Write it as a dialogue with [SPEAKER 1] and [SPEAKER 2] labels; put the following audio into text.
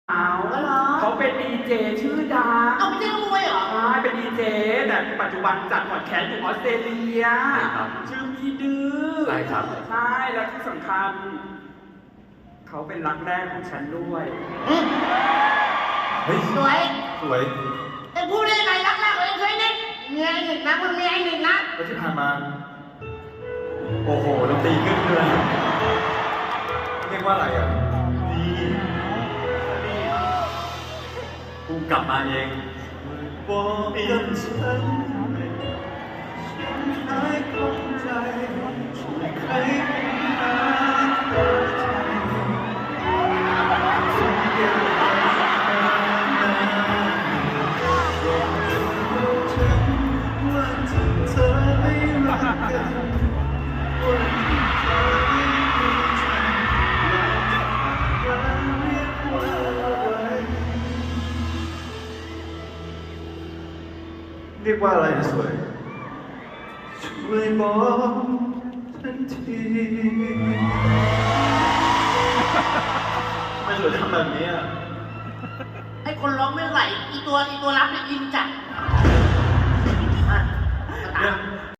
[SPEAKER 1] เขาเป็นดีเจชื่อดัง
[SPEAKER 2] เอาไม่ใช่นักมวยเหรอ
[SPEAKER 1] ใช่เป็นดีเจแต่ปัจจุบันจัดพอดแคสต์อยู่ออสเตรเลียชื่อพี่ดื้อ
[SPEAKER 3] ใช่ครับ
[SPEAKER 1] ใช่แล้วที่สำคัญเขาเป็นรักแรกของฉันด้วย
[SPEAKER 3] เฮ้ย
[SPEAKER 2] สวย
[SPEAKER 3] สวย
[SPEAKER 2] ไอ้พูดได้ไงรักแรกของเองเคยเนี่ยเมียไอ้หนึ่งนะมันเมียไอ้หนึ่งนะ
[SPEAKER 3] แล้วที่ผ่านมาโอ้โหดนตรีขึ้นเลยเรียกว่าอะไรอ่ะดีกูกลับมาเองบอกกับฉันหายของใจช่วยใครหาเข้าใจฉันเก็บไว้นานๆบอกกับฉันว่าถ้าเธอไม่รักกันวันที่เธอไม่มีฉันเราจะเรียกว่าอะไรเรียกว่าอะไรนะสวยช่วยบอกฉันทีไม่สวยทำแบบนี้อ่ะ
[SPEAKER 2] ไอ้คนร้องไม่ไหวอีตัวรับเนี่ยอินจัด